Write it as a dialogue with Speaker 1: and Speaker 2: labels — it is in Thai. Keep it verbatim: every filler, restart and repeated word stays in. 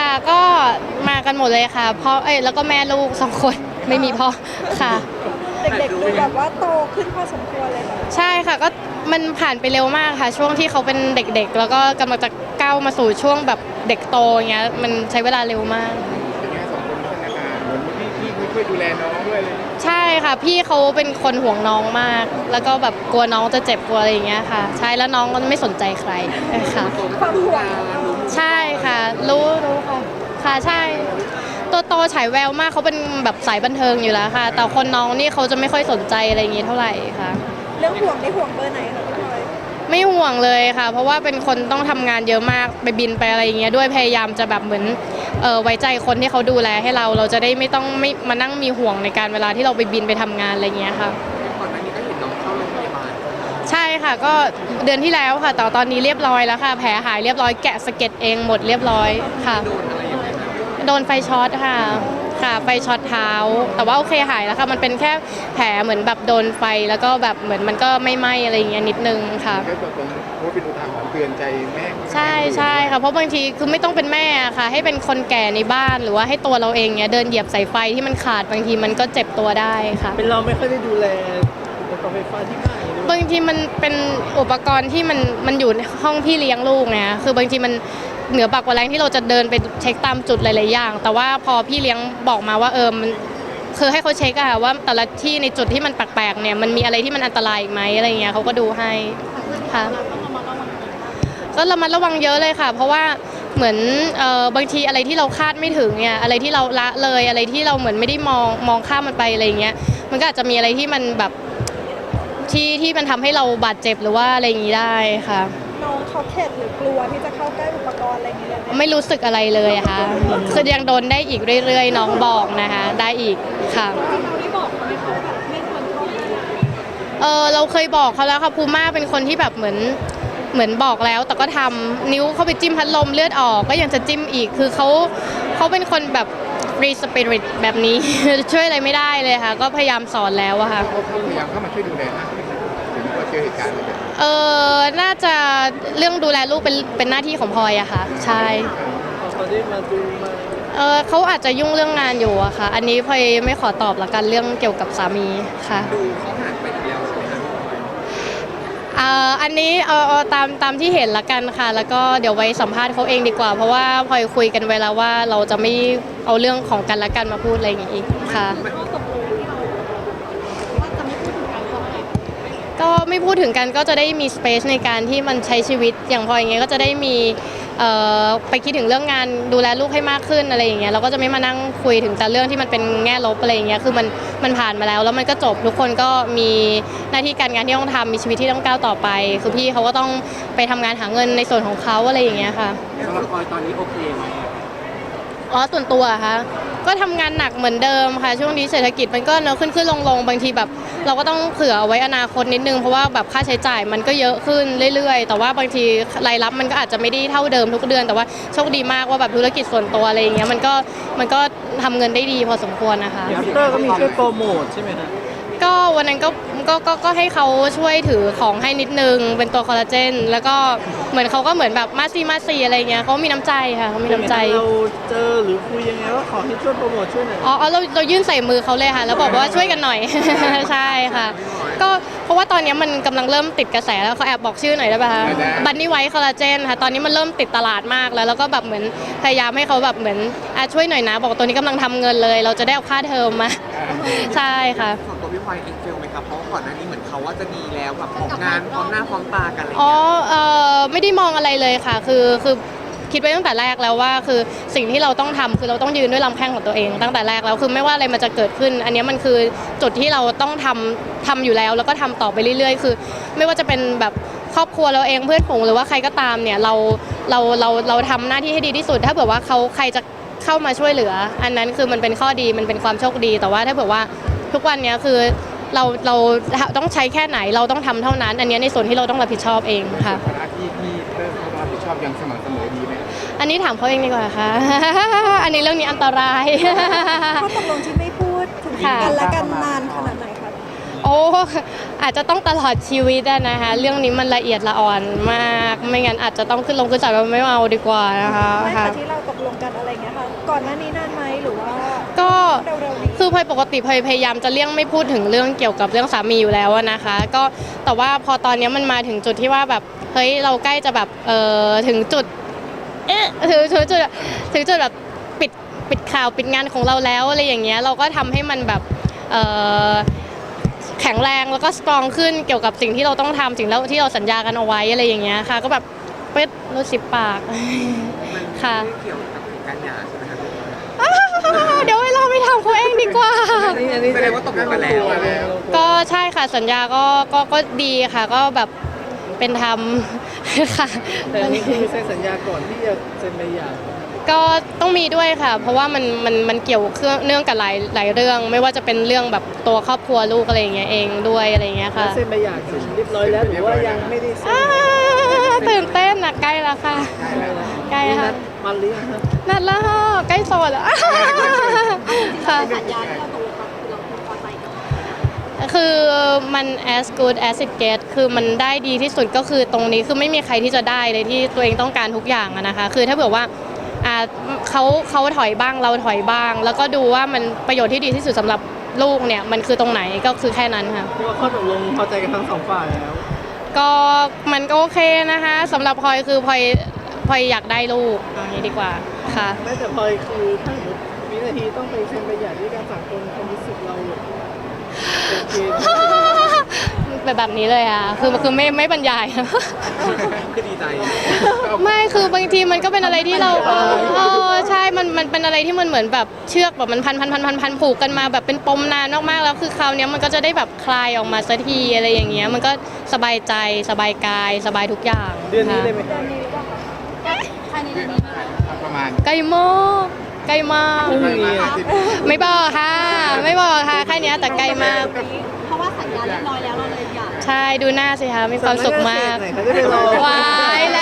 Speaker 1: ค่ะก็มากันหมดเลยค่ะพ่อเอ้ยแล้วก็แม่ลูกสองคนไม่มีพ่อค่ะ
Speaker 2: เด็กๆดูแบบว่าโตขึ้นพอสมควรเลยค่ะ
Speaker 1: ใช่ค่ะก็มันผ่านไปเร็วมากค่ะช่วงที่เขาเป็นเด็กๆแล้วก็กำลังจะก้าวมาสู่ช่วงแบบเด็กโตอย่างเงี้ยมันใช้เวลาเร็วมาก
Speaker 3: เป็นไงสองคนพัฒนาการเหมือนพี่พี่ช่วยดูแลน้องด้วยเลย
Speaker 1: ใช่ค่ะพี่เขาเป็นคนห่วงน้องมาก แล้วก็แบบกลัวน้องจะเจ็บกลัวอะไรอย่างเงี้ยค่ะใช่แล้วน้องก็ไม่สนใจใครค่ะ
Speaker 2: ความห่วง
Speaker 1: ใช่ค่ะรู้รู้ค่ะค่ะใช่ตัวโตฉายแววมากเขาเป็นแบบสายบันเทิงอยู่แล้วค่ะแต่คนน้องนี่เขาจะไม่ค่อยสนใจอะไรอย่างงี้เท่าไหร่ค่ะ
Speaker 2: เรื่องห่วงได้ห่วงเบอร์ไหนคะพี่พลอย
Speaker 1: ไม่ห่วงเลยค่ะเพราะว่าเป็นคนต้องทำงานเยอะมากไปบินไปอะไรอย่างเงี้ยด้วยพยายามจะแบบเหมือนเออไว้ใจคนที่เขาดูแลให้เราเราจะได้ไม่ต้องไม่มานั่งมีห่วงในการเวลาที่เราไปบินไปทำงานอะไรเงี้ยค่ะ
Speaker 3: ก่อนหน้านี้ก็เห็นน้องเข้าโรงพยาบาล
Speaker 1: ใช่ค่ะก็เดือนที่แล้วค่ะแต่ตอนนี้เรียบร้อยแล้วค่ะแผลหายเรียบร้อยแกะสะเก็ดเองหมดเรียบร้อยค่ะ
Speaker 3: โดนอะไรอย่างเงี้ย
Speaker 1: โดนไฟช็อตค่ะค่ะไฟช็อตเท้าแต่ว่าโอเคหายแล้วค่ะมันเป็นแค่แผลเหมือนแบบโดนไฟแล้วก็แบบเหมือนมันก็ไม่ไหม้อะไรอย่างเงี้ยนิดนึงค่ะ
Speaker 3: ก็ตรงๆเพราะเป็นอุทาหรณ์เตือนใจแม่
Speaker 1: ใช่ใช่ค่ะเพราะบางทีคือไม่ต้องเป็นแม่ค่ะให้เป็นคนแก่ในบ้านหรือว่าให้ตัวเราเองเนี้ยเดินเหยียบสายไฟที่มันขาดบางทีมันก็เจ็บตัวได้ค่ะ
Speaker 4: เป็นเราไม่ค่อยได้ดูแลอุปกรณ์ไฟฟ้าที่บ้านเลย
Speaker 1: บางทีมันเป็นอุปกรณ์ที่มันมันอยู่ในห้องพี่เลี้ยงลูกไงคือบางทีมันเหนือปากกว่าแรงที่เราจะเดินไปเช็คตามจุดหลายๆอย่างแต่ว่าพอพี่เลี้ยงบอกมาว่าเออมันคือให้เขาเช็คอะค่ะว่าแต่ละที่ในจุดที่มันแปลกๆเนี่ยมันมีอะไรที่มันอันตรายอีกไหมอะไรเงี้ยเขาก็ดูให้ค่ะก็ระมัดระวังเยอะเลยค่ะเพราะว่าเหมือนเอ่อบางทีอะไรที่เราคาดไม่ถึงเนี่ยอะไรที่เราละเลยอะไรที่เราเหมือนไม่ได้มองมองข้ามมันไปอะไรเงี้ยมันก็อาจจะมีอะไรที่มันแบบที่ที่มันทำให้เราบาดเจ็บหรือว่าอะไรอย่างนี้ได้ค่ะ
Speaker 2: น้องเขาเข็ดหรือกลัวที่จะเข้าใกล้อุปกรณ์อะไรอย่างเงี้ย
Speaker 1: ไม่รู้สึกอะไรเลยค่ะคือยังโดนได้อีกเรื่อยๆน้องบอกนะคะได้อีกค่ะ
Speaker 2: เราได้บอกเขาไหมคะแบบไม่ควรเข้าใกล้
Speaker 1: เออเราเคยบอกเขาแล้วค่ะภูม่าเป็นคนที่แบบเหมือนเหมือนบอกแล้วแต่ก็ทำนิ้วเข้าไปจิ้มพัดลมเลือดออกก็ยังจะจิ้มอีกคือเขาเขาเป็นคนแบบฟรีสปิริตแบบนี้ ช่วยอะไรไม่ได้เลยค่ะก็พยายามสอนแล้วอะค่ะ
Speaker 3: เขาพยายามเข้ามาช่วยดูแลนะถึงว่าเจอเหตุการณ์อะไรแบบนี้
Speaker 1: เออน่าจะเรื่องดูแลลูกเป็นเป็นหน้าที่ของพลอยอะค่ะใช่
Speaker 4: เขาได้มาดูมา
Speaker 1: เออเขาอาจจะยุ่งเรื่องงานอยู่อะค่ะอันนี้พลอยไม่ขอตอบละกันเรื่องเกี่ยวกับสามีค่ะ
Speaker 3: ดูเขาห่างไปแล้วใช่ไหมคะ
Speaker 1: อ่าอันนี้เอาเอาตามตามที่เห็นละกันค่ะแล้วก็เดี๋ยวไว้สัมภาษณ์เขาเองดีกว่าเพราะว่าพลอยคุยกันไว้แล้วว่าเราจะไม่เอาเรื่องของกันและกันมาพูดอะไรอย่างงี้อีกค่ะก็ไม่พูดถึงกันก็จะได้มีสเปซในการที่มันใช้ชีวิตอย่างพลอยอย่างเงี้ยก็จะได้มีเอ่อไปคิดถึงเรื่องงานดูแลลูกให้มากขึ้นอะไรอย่างเงี้ยเราก็จะไม่มานั่งคุยถึงแต่เรื่องที่มันเป็นแง่ลบอะไรอย่างเงี้ยคือมันมันผ่านมาแล้วแล้วมันก็จบทุกคนก็มีหน้าที่การงานที่ต้องทำมีชีวิตที่ต้องก้าวต่อไปคือพี่เขาก็ต้องไปทำงานหาเงินในส่วนของเขาอะไรอย่างเงี้ยค่ะ
Speaker 3: สำหรับพลอยตอนนี้โอเคไหม
Speaker 1: อ๋อส่วนตัวอะคะก็ทำงานหนักเหมือนเดิมค่ะช่วงนี้เศรษฐกิจมันก็เนอะขึ้นขึ้นลงลงบางทีแบบเราก็ต้องเผื่อเอาไว้อนาคตนิดนึงเพราะว่าแบบค่าใช้จ่ายมันก็เยอะขึ้นเรื่อยๆแต่ว่าบางทีรายรับมันก็อาจจะไม่ได้เท่าเดิมทุกเดือนแต่ว่าโชคดีมากว่าแบบธุรกิจส่วนตัวอะไรอย่างเงี้ยมันก็มันก็ทำเงินได้ดีพอสมควรนะคะ
Speaker 4: อัปเตอร์ก็มีช่วยโปรโมทใช่ไหมคะ
Speaker 1: ก็วันนั้นก็ก็ก็ก็ให้เขาช่วยถือของให้นิดนึงเป็นตัวคอลลาเจนแล้วก็เหมือนเขาก็เหมือนแบบมาซีมาซีอะไรเงี้ยเขามีน้ำใจค่ะเขามีน้ำใจ
Speaker 4: เราเจอหรือคุยยังไงว่าขอให้ช่วยโปรโมทช่วยหน่อย
Speaker 1: อ๋อเราเรายื่นใส่มือเขาเลยค่ะแล้วบอกว่าช่วยกันหน่อย ใช่ค่ะก็เพราะว่าตอนนี้มันกำลังเริ่มติดกระแสแล้วเขาแอบบอกชื่อหน่อยได้ป่ะคะบันนี่ไวท์คอลลาเจนค่ะตอนนี้มันเริ่มติดตลาดมากแล้วแล้วก็แบบเหมือนพยายามให้เขาแบบเหมือนอ่ะช่วยหน่อยนะบอกตัวนี้กำลังทำเงินเลยเราจะได้เอาค่าเทอมมาใช่ค่ะ
Speaker 3: ส่วนตัวพี่พลอยเองเฟลไหมครับเพราะก่อนหน้านี้เหมือนเขาว่าจะดีแล้วแบบออกงานพร้อมหน้าพร้อมตากันอะไร
Speaker 1: อ๋อเออไม่ได้มองอะไรเลยค่ะคือคือคิดไว้ตั้งแต่แรกแล้วว่าคือสิ่งที่เราต้องทำคือเราต้องยืนด้วยลำแข้งของตัวเองตั้งแต่แรกแล้วคือไม่ว่าอะไรมันจะเกิดขึ้นอันนี้มันคือจุดที่เราต้องทำทำอยู่แล้วแล้วก็ทำต่อไปเรื่อยๆคือไม่ว่าจะเป็นแบบครอบครัวเราเองเพื่อนฝูงหรือว่าใครก็ตามเนี่ยเราเราเราเราทำหน้าที่ให้ดีที่สุดถ้าเผื่อว่าเขาใครจะเข้ามาช่วยเหลืออันนั้นคือมันเป็นข้อดีมันเป็นความโชคดีแต่ว่าถ้าเผื่อว่าทุกวันนี้คือเราเราต้องใช้แค่ไหนเราต้องทำเท่านั้นอันนี้ในส่วนที่เราต้องรับผิดชอบเองค่ะ
Speaker 3: หน้าที่ที่เริ่มเขารับผิดชอบยังสม่ำเสมอดีไหม
Speaker 1: อันนี้ถามเขาเองดีกว่าค่ะ อันนี้เรื่องนี้อันตราย
Speaker 2: ข้อตกลงที่ไม่พูดถึงกันและกันนานขนาดไหนคะ
Speaker 1: โอ้อาจจะต้องตลอดชีวิตอะนะคะเรื่องนี้มันละเอียดละอ่อนมากไม่งั้นอาจจะต้องขึ้นลงขึ้นศาลว่าไม่เอาดีกว่านะคะ
Speaker 2: ไม่
Speaker 1: ค่ะ
Speaker 2: ค่ะที่เราตกลงกันอะไรเงี้ยค่ะ ก่อนหน้านี้นานไหมหรือว่า
Speaker 1: ก็
Speaker 2: เร็วๆนี้
Speaker 1: คือพลอยปกติพลอยพยายามจะเลี่ยงไม่พูดถึงเรื่องเกี่ยวกับเรื่องสามีอยู่แล้วอะนะคะ ก็แต่ว่าพอตอนนี้มันมาถึงจุดที่ว่าแบบเฮ้ยเราใกล้จะแบบเออถึงจุดเอ๊ะถึงถึงจุดถึงจุดแบบปิดปิดข่าวปิดงานของเราแล้วอะไรอย่างเงี้ยเราก็ทำให้มันแบบเออแข็งแรงแล้วก็สตรองขึ้นเกี่ยวกับสิ่งที่เราต้องทำสิ่งแล้วที่เราสัญญากันเอาไว้อะไรอย่างเงี้ยค่ะ ก็แบบเป๊ดรู้สิบปาก
Speaker 3: มัน
Speaker 1: ค่ะ
Speaker 3: ไม่เกี่ยวกับการหย่าใช่ไหมครับ
Speaker 1: เดี๋ยวให้เราไปทำเขาเองดีกว่า
Speaker 4: อันนี้อันนี้
Speaker 3: แสดงว่าตกลงกันแล้ว
Speaker 1: ก็ใช่ค่ะสัญญาก็ก็ก็ดีค่ะก็แบบเป็นธรรม ค่ะ
Speaker 4: แต่อันนี้คือเซ็นสัญญาก่อนที่จะเซ็นใบหย่า
Speaker 1: ก็ต้องมีด้วยค่ะ เพราะว่ามันมันมันเกี่ยวเครื่องเนื่องกับหลายหลายเรื่อง ไม่ว่าจะเป็นเรื่องแบบตัวครอบครัวลูกอะไรอย่างเงี้ยเองด้วยอะไรอย่างเงี้ย
Speaker 4: แล้ว
Speaker 1: ค่ะ
Speaker 4: เซ็นใบหย่าเสร็จเรียบร้อยแล้วหรือว่ายังไม่ได้เซ็น
Speaker 1: อ่าตื่นเต้นนะใกล้แล้วค่ะ ใกล้
Speaker 4: มี
Speaker 1: ค่ะ
Speaker 4: นัดมันหรือยังครับ
Speaker 1: นัดแล้วค่ะใกล้โสดแล้ว ค่ะ
Speaker 2: สัญญาที่เราตกลงกันคือเราพอใจกับ
Speaker 1: คือมัน as good as it get คือมันได้ดีที่สุดก็คือตรงนี้คือไม่มีใครที่จะได้เลยที่ตัวเองต้องการทุกอย่างอะนะคะ คือถ้าเผื่อว่าอ่าเขาเขาถอยบ้างเราถอยบ้าง แล้วก็ดูว่ามันประโยชน์ที่ดีที่สุดสำหรับลูกเนี่ยมันคือตรงไหนก็คือแค่นั้นค่ะ
Speaker 4: เพราะว่าข้อตกลงพอใจกันทั้งสองฝ่ายแล้ว
Speaker 1: ก็มันก็โอเคนะคะสำหรับพลอยคือพลอยพลอยอยากได้ลูกเอาอย่างนี้ดีกว่าค่ะ
Speaker 4: แม้แต่พลอยคือถ้าสมมติวินาทีต้องไปเซ็นใบหย่าด้วยการฝากคนความรู้สึกเราโอเคไหม
Speaker 1: แบบแบบนี้เลยอ่ะคือคือไม่ไม่บรรยาย
Speaker 3: คือดีใจ
Speaker 1: ไม่คือบางทีมันก็เป็นอะไรที่เราเออเออใช่ มันมันเป็นอะไรที่มันเหมือนแบบเชือกแบบมันพันพันพันพันพันผูกกันมาแบบเป็นปมนานมากๆแล้วคือคราวเนี้ยมันก็จะได้แบบคลายออกมาสักทีอะไรอย่างเงี้ยมันก็สบายใจสบายกายสบายทุกอย่าง
Speaker 4: เดือนนี้
Speaker 1: ค่ะ
Speaker 4: เลยไหม
Speaker 2: เดือนนี้หรือเปล่าคะภายในเดือนนี้ไหมคะ
Speaker 3: ประมาณ
Speaker 1: ใกล้มากใกล้มาก
Speaker 4: พรุ่งนี้อะ
Speaker 1: ไม่บอกค่ะ ไม่บอกค่ะแค่เนี้ยแต่ใกล้มาก
Speaker 2: เพราะว่าสัญญาเรียบร้อยแล้วเราเลยอยาก
Speaker 1: ใช่ดูหน้าสิคะมีความสุขมาก
Speaker 4: สำนักงนเขตไหนเขาจะไปรอ
Speaker 1: วายแล้